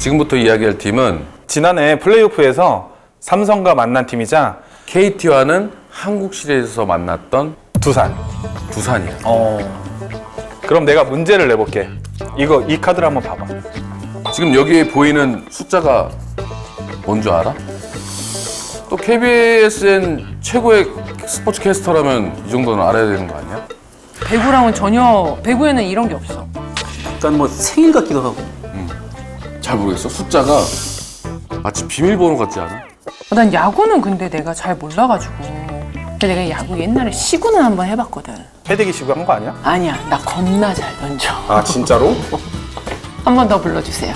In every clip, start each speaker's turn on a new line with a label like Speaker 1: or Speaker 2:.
Speaker 1: 지금부터 이야기할 팀은
Speaker 2: 지난해 플레이오프에서 삼성과 만난 팀이자
Speaker 1: KT와는 한국 시리즈에서 만났던
Speaker 2: 두산이야. 그럼 내가 문제를 내볼게. 이 카드를 한번 봐봐.
Speaker 1: 지금 여기에 보이는 숫자가 뭔 줄 알아? 또 KBSN 최고의 스포츠 캐스터라면 이 정도는 알아야 되는 거 아니야?
Speaker 3: 배구랑은 전혀, 배구에는 이런 게 없어.
Speaker 4: 약간 뭐 생일 같기도 하고.
Speaker 1: 잘 모르겠어. 숫자가 마치 비밀번호 같지 않아?
Speaker 3: 난 야구는 근데 내가 잘 몰라가지고. 근데 내가 야구 옛날에 시구는 한번 해봤거든.
Speaker 2: 패대기 시구 한 거 아니야?
Speaker 3: 아니야, 나 겁나 잘 던져.
Speaker 2: 아 진짜로?
Speaker 3: 한 번 더 불러주세요.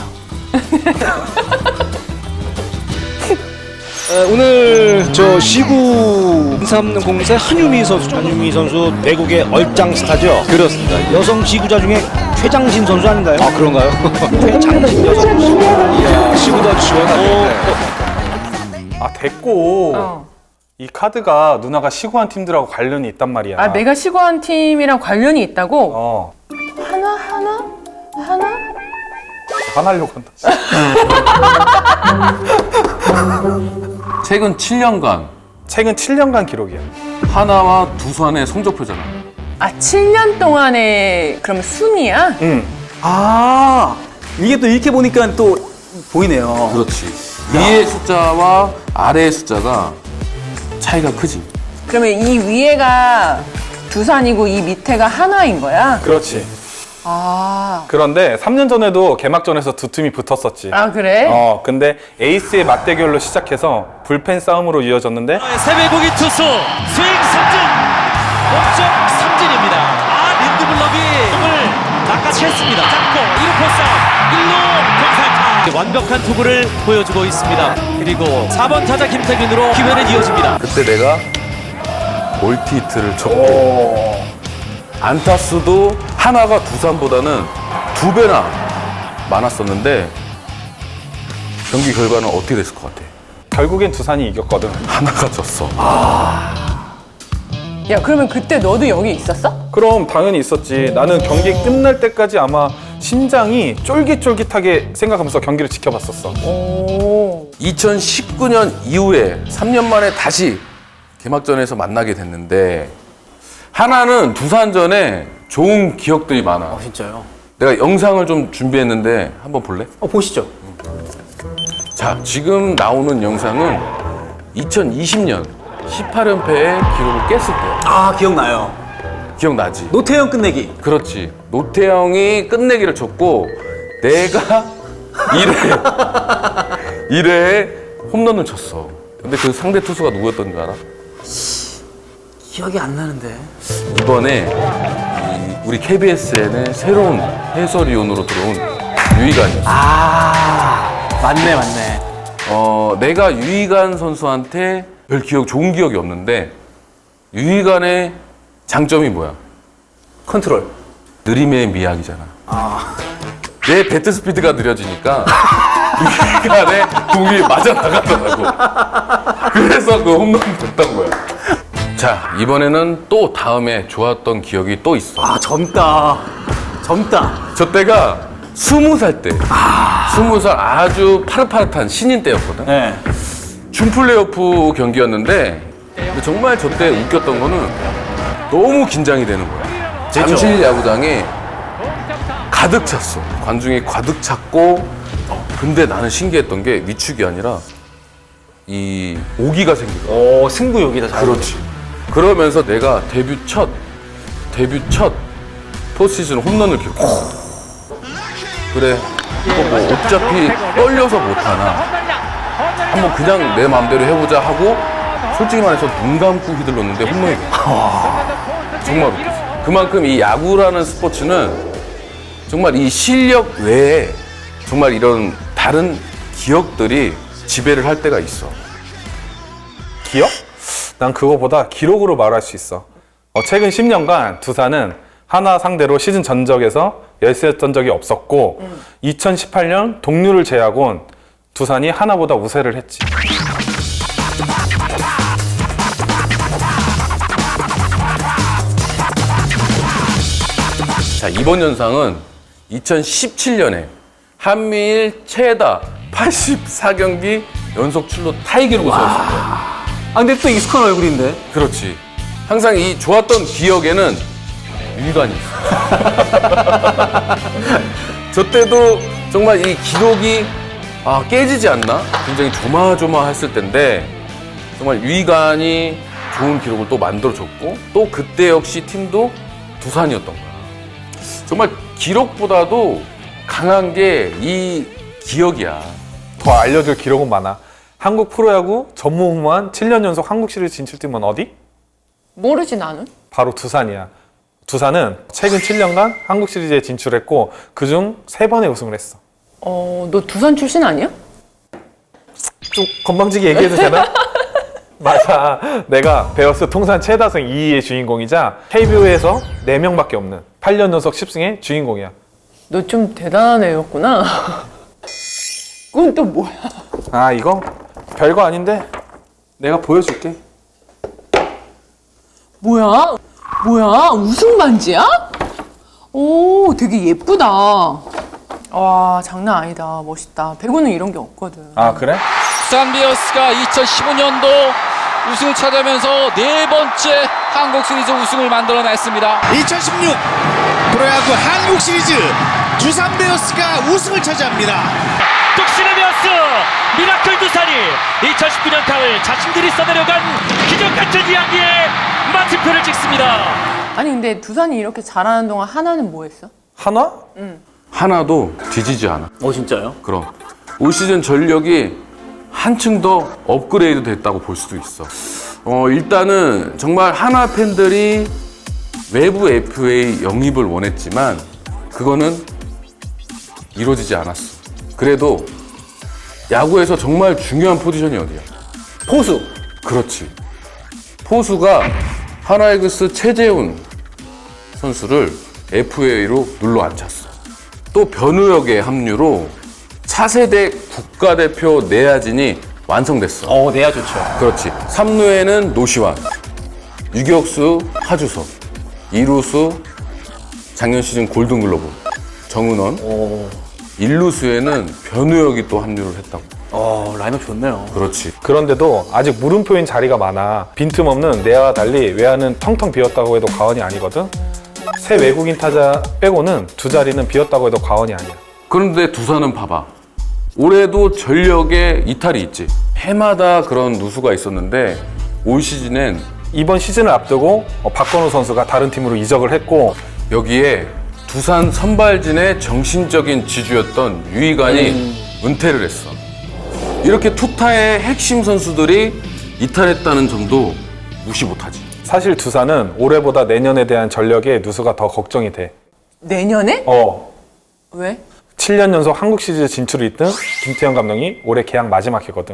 Speaker 5: 오늘 저 시구 3공사 한유미 선수 대국의 얼짱 스타죠. 그렇습니다. 여성 시구자 중에 최장신 선수 아닌가요? 아 그런가요? 최장신 여성 선수. 이야 시구도 지원하고.
Speaker 2: 아 됐고.
Speaker 3: 어.
Speaker 2: 이 카드가 누나가 시구한 팀들하고 관련이 있단 말이야.
Speaker 3: 아, 내가 시구한 팀이랑 관련이 있다고?
Speaker 2: 어.
Speaker 3: 하나?
Speaker 2: 화나려고 한다.
Speaker 1: 최근 7년간
Speaker 2: 최근 7년간 기록이야.
Speaker 1: 하나와 두산의 성적표잖아.
Speaker 3: 아, 7년 동안의 그럼 순위야?
Speaker 2: 응.
Speaker 4: 아 이게 또 이렇게 보니까 또 보이네요.
Speaker 1: 그렇지. 위의 숫자와 아래의 숫자가 차이가 크지.
Speaker 3: 그러면 이 위에가 두산이고 이 밑에가 하나인 거야?
Speaker 2: 그렇지.
Speaker 3: 아,
Speaker 2: 그런데 3년 전에도 개막전에서 두 팀이 붙었었지.
Speaker 3: 아 그래?
Speaker 2: 근데 에이스의 맞대결로 시작해서 불펜 싸움으로 이어졌는데
Speaker 6: 세배고기 투수 스윙 삼진 목적 삼진입니다. 린드블럭이 공을 낚아챘습니다. 잡고 1루 포싸움 1루 경살타 완벽한 투구를 보여주고 있습니다. 그리고 4번 타자 김태균으로 기회는 이어집니다.
Speaker 1: 그때 내가 멀티 히트를 쳤고 안타수도 하나가 두산보다는 2배나 많았었는데 경기 결과는 어떻게 됐을 것 같아?
Speaker 2: 결국엔 두산이 이겼거든.
Speaker 1: 하나가 졌어.
Speaker 3: 야, 그러면 그때 너도 여기 있었어?
Speaker 2: 그럼 당연히 있었지. 나는 경기 끝날 때까지 아마 심장이 쫄깃쫄깃하게 생각하면서 경기를 지켜봤었어.
Speaker 3: 오.
Speaker 1: 2019년 이후에 3년 만에 다시 개막전에서 만나게 됐는데 하나는 두산전에 좋은 기억들이 많아.
Speaker 4: 진짜요?
Speaker 1: 내가 영상을 좀 준비했는데 한번 볼래?
Speaker 4: 보시죠.
Speaker 1: 자, 지금 나오는 영상은 2020년 18연패의 기록을 깼을 때야.
Speaker 4: 아 기억나요.
Speaker 1: 기억나지?
Speaker 4: 노태영 끝내기.
Speaker 1: 그렇지. 노태영이 끝내기를 쳤고 내가 1회에 홈런을 쳤어. 근데 그 상대 투수가 누구였던 줄 알아?
Speaker 4: 기억이 안 나는데.
Speaker 1: 이번에 우리 KBSN의 새로운 해설위원으로 들어온 유희관이었어.
Speaker 4: 맞네.
Speaker 1: 내가 유희관 선수한테 별 좋은 기억이 없는데 유희관의 장점이 뭐야?
Speaker 4: 컨트롤.
Speaker 1: 느림의 미학이잖아. 내 배트 스피드가 느려지니까 유희관의 공이 맞아 나가더라고. 그래서 그 홈런이 됐던 거야. 자, 이번에는 또 다음에 좋았던 기억이 또 있어.
Speaker 4: 젊다.
Speaker 1: 저 때가 20살 때. 20살 아주 파릇파릇한 신인 때였거든.
Speaker 4: 네.
Speaker 1: 준 플레이오프 경기였는데 근데 정말 저 때 웃겼던 거는 너무 긴장이 되는 거야. 잠실 야구장에 가득 찼어. 관중이 가득 찼고 근데 나는 신기했던 게 위축이 아니라 이 오기가 생기더라고.
Speaker 4: 승부욕이다.
Speaker 1: 그렇지. 그러면서 내가 데뷔 첫 포스시즌 홈런을 기록했어. 그래, 이거 뭐 어차피 떨려서 못하나 한번 그냥 내 마음대로 해보자 하고 솔직히 말해서 눈 감고 휘둘렀는데 홈런이 됐어. 정말 웃겼어. 그만큼 이 야구라는 스포츠는 정말 이 실력 외에 정말 이런 다른 기억들이 지배를 할 때가 있어.
Speaker 2: 기억? 난 그거보다 기록으로 말할 수 있어. 최근 10년간 두산은 하나 상대로 시즌 전적에서 열세였던 적이 없었고 2018년 동률을 제외하곤 두산이 하나보다 우세를 했지.
Speaker 1: 자, 이번 영상은 2017년에 한미일 최다 84경기 연속 출루 타이 기록을 세웠을 거예요.
Speaker 4: 아, 근데 또 익숙한 얼굴인데.
Speaker 1: 그렇지. 항상 이 좋았던 기억에는 유희관이 있어. 저 때도 정말 이 기록이 깨지지 않나? 굉장히 조마조마했을 때인데 정말 유희관이 좋은 기록을 또 만들어줬고 또 그때 역시 팀도 두산이었던 거야. 정말 기록보다도 강한 게 이 기억이야.
Speaker 2: 더 알려줄 기록은 많아. 한국 프로야구 전무후무한 7년 연속 한국 시리즈 진출팀은 어디?
Speaker 3: 모르지 나는.
Speaker 2: 바로 두산이야. 두산은 최근 7년간 한국 시리즈에 진출했고 그중 3번의 우승을 했어.
Speaker 3: 너 두산 출신 아니야?
Speaker 2: 좀 건방지게 얘기해도 되나? 맞아. 내가 베어스 통산 최다승 2위의 주인공이자 KBO에서 4명밖에 없는 8년 연속 10승의 주인공이야.
Speaker 3: 너 좀 대단한 애였구나. 그건 또 뭐야?
Speaker 2: 아, 이거 별거 아닌데 내가 보여줄게.
Speaker 3: 뭐야? 우승 반지야? 오, 되게 예쁘다. 와, 장난 아니다. 멋있다. 배구는 이런 게 없거든.
Speaker 2: 아, 그래?
Speaker 6: 두산 베어스가 2015년도 우승을 차지하면서 4번째 한국 시리즈 우승을 만들어냈습니다.
Speaker 7: 2016 프로야구 한국 시리즈 두산 베어스가 우승을 차지합니다.
Speaker 8: 뚝심의 베어스 미라클 두산이 2019년 가을 자신들이 써내려간 기적같은 이야기에 마침표를 찍습니다.
Speaker 3: 아니, 근데 두산이 이렇게 잘하는 동안 하나는 뭐 했어?
Speaker 2: 하나?
Speaker 1: 하나도 뒤지지 않아.
Speaker 4: 진짜요?
Speaker 1: 그럼 올 시즌 전력이 한층 더 업그레이드 됐다고 볼 수도 있어. 일단은 정말 하나 팬들이 외부 FA 영입을 원했지만 그거는 이루어지지 않았어. 그래도 야구에서 정말 중요한 포지션이 어디야?
Speaker 4: 포수.
Speaker 1: 그렇지. 포수가 하나이글스 최재훈 선수를 FA로 눌러 앉혔어. 또 변우혁의 합류로 차세대 국가대표 내야진이 완성됐어.
Speaker 4: 내야 좋죠.
Speaker 1: 그렇지. 3루에는 노시환, 유격수 하주석, 2루수 작년 시즌 골든글러브 정은원, 1루수에는 변우혁이 또 합류를 했다고.
Speaker 4: 라인업 좋네요.
Speaker 1: 그렇지.
Speaker 2: 그런데도 아직 물음표인 자리가 많아. 빈틈없는 내야와 달리 외야는 텅텅 비었다고 해도 과언이 아니거든. 새 외국인 타자 빼고는 두 자리는 비었다고 해도 과언이 아니야.
Speaker 1: 그런데 두산은 봐봐. 올해도 전력에 이탈이 있지. 해마다 그런 누수가 있었는데 올 시즌엔
Speaker 2: 이번 시즌을 앞두고 박건우 선수가 다른 팀으로 이적을 했고
Speaker 1: 여기에 두산 선발진의 정신적인 지주였던 유희관이 은퇴를 했어. 이렇게 투타의 핵심 선수들이 이탈했다는 점도 무시 못하지.
Speaker 2: 사실 두산은 올해보다 내년에 대한 전력의 누수가 더 걱정이 돼.
Speaker 3: 내년에? 왜?
Speaker 2: 7년 연속 한국 시리즈 진출을 이끈 김태형 감독이 올해 계약 마지막 해거든.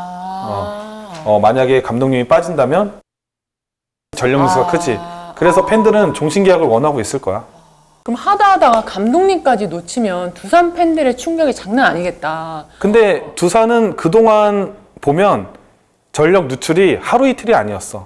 Speaker 2: 만약에 감독님이 빠진다면 전력 누수가 크지. 그래서 팬들은 종신 계약을 원하고 있을 거야.
Speaker 3: 그럼 하다가 감독님까지 놓치면 두산 팬들의 충격이 장난 아니겠다.
Speaker 2: 근데 두산은 그동안 보면 전력 누출이 하루 이틀이 아니었어.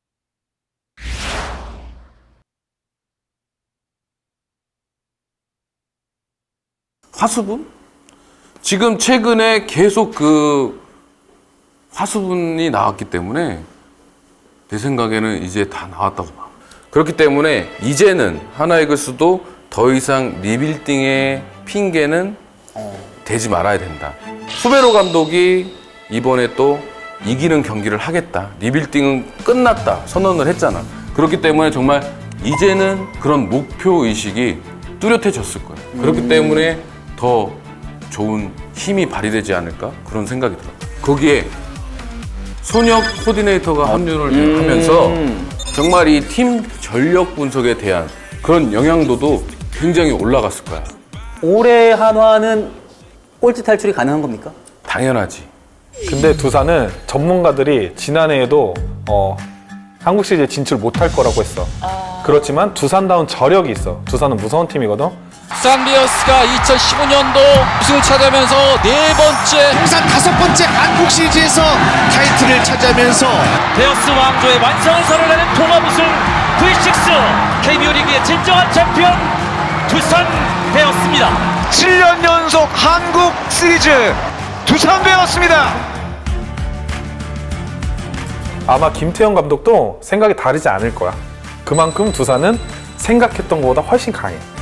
Speaker 1: 화수분? 지금 최근에 계속 그 화수분이 나왔기 때문에 내 생각에는 이제 다 나왔다고 봐. 그렇기 때문에 이제는 하나이글스도 더 이상 리빌딩의 핑계는 대지 말아야 된다. 수베로 감독이 이번에 또 이기는 경기를 하겠다. 리빌딩은 끝났다. 선언을 했잖아. 그렇기 때문에 정말 이제는 그런 목표 의식이 뚜렷해졌을 거야. 그렇기 때문에 더 좋은 힘이 발휘되지 않을까? 그런 생각이 들어. 거기에 손혁 코디네이터가 합류를 하면서 정말 이 팀 전력 분석에 대한 그런 영향도도 굉장히 올라갔을 거야.
Speaker 4: 올해 한화는 꼴찌 탈출이 가능한 겁니까?
Speaker 1: 당연하지.
Speaker 2: 근데 두산은 전문가들이 지난해에도 한국 시리즈에 진출 못할 거라고 했어. 그렇지만 두산다운 저력이 있어. 두산은 무서운 팀이거든.
Speaker 6: 두산 베어스가 2015년도 우승을 차지하면서 4번째
Speaker 7: 통산 5번째 한국 시리즈에서 타이틀을 차지하면서
Speaker 8: 베어스 왕조의 완성을 선언하는 통합 우승 V6 KBO 리그의 진정한 챔피언 두산 되었습니다.
Speaker 7: 7년 연속 한국 시리즈 두산되었습니다.
Speaker 2: 아마 김태형 감독도 생각이 다르지 않을 거야. 그만큼 두산은 생각했던 것보다 훨씬 강해.